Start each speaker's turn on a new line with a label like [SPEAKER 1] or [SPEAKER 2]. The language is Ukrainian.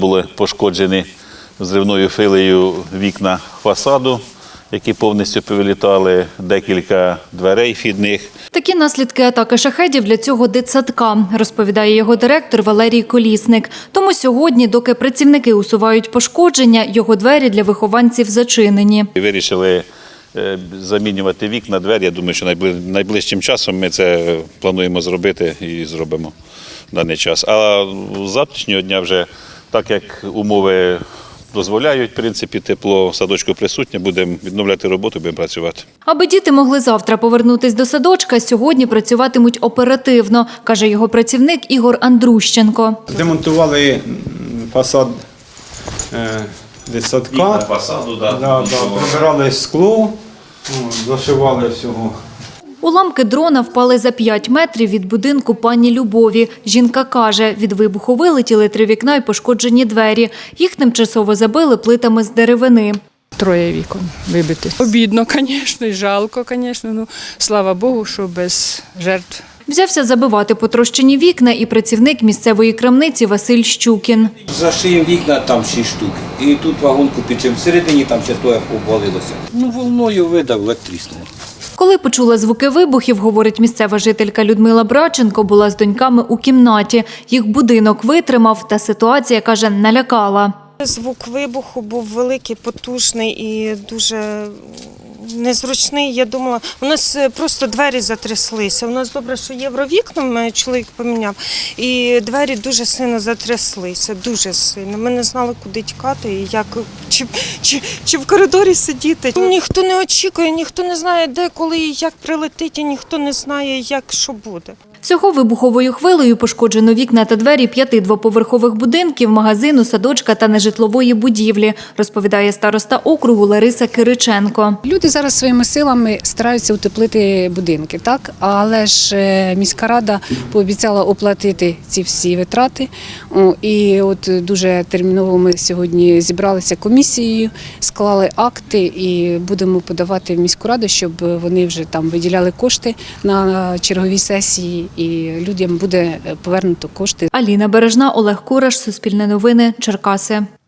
[SPEAKER 1] були пошкоджені зривною хвилею вікна фасаду, які повністю повилітали, декілька дверей вхідних.
[SPEAKER 2] Такі наслідки атаки шахедів для цього дитсадка, розповідає його директор Валерій Колісник. Тому сьогодні, доки працівники усувають пошкодження, його двері для вихованців зачинені.
[SPEAKER 1] Вирішили замінювати вікна, двері. Я думаю, що найближчим часом ми це плануємо зробити і зробимо в даний час. А з завтрашнього дня вже, так як умови дозволяють, в принципі, тепло в садочку присутнє, будемо відновляти роботу, будемо працювати.
[SPEAKER 2] Аби діти могли завтра повернутись до садочка, сьогодні працюватимуть оперативно, каже його працівник Ігор Андрущенко.
[SPEAKER 3] Демонтували фасад дитсадка,
[SPEAKER 1] Вікна фасаду,
[SPEAKER 3] прибирали скло, зашивали всього.
[SPEAKER 2] Уламки дрона впали за 5 метрів від будинку пані Любові. Жінка каже, від вибуху вилетіли 3 вікна і пошкоджені двері. Їх тимчасово забили плитами з деревини.
[SPEAKER 4] 3 вікон вибити. Обідно, звісно, і жалко, звісно. Ну, слава Богу, що без жертв.
[SPEAKER 2] Взявся забивати потрощені вікна і працівник місцевої крамниці Василь Щукін.
[SPEAKER 5] Зашиємо вікна, там 6 штук. І тут вагонку підчим всередині, там часто обвалилося. Волною видав, тріснуло.
[SPEAKER 2] Коли почула звуки вибухів, говорить місцева жителька Людмила Браченко, була з доньками у кімнаті. Їх будинок витримав, та ситуація, каже, налякала.
[SPEAKER 6] Звук вибуху був великий, потужний і дуже незручний. Я думала, у нас просто двері затряслися. У нас добре, що євровікна, мене чоловік поміняв, і двері дуже сильно затряслися, дуже сильно. Ми не знали, куди тікати і як, чи в коридорі сидіти. Ніхто не очікує, ніхто не знає, де, коли і як прилетить, і ніхто не знає, як, що буде.
[SPEAKER 2] Всього вибуховою хвилею пошкоджено вікна та двері 5 двоповерхових будинків, магазину, садочка та нежитлової будівлі, розповідає староста округу Лариса Кириченко.
[SPEAKER 7] Люди зараз своїми силами стараються утеплити будинки, так? Але ж міська рада пообіцяла оплатити ці всі витрати. І от дуже терміново ми сьогодні зібралися комісією, склали акти і будемо подавати в міську раду, щоб вони вже там виділяли кошти на черговій сесії. І людям буде повернуто кошти.
[SPEAKER 2] Аліна Бережна, Олег Кураш, Суспільне новини, Черкаси.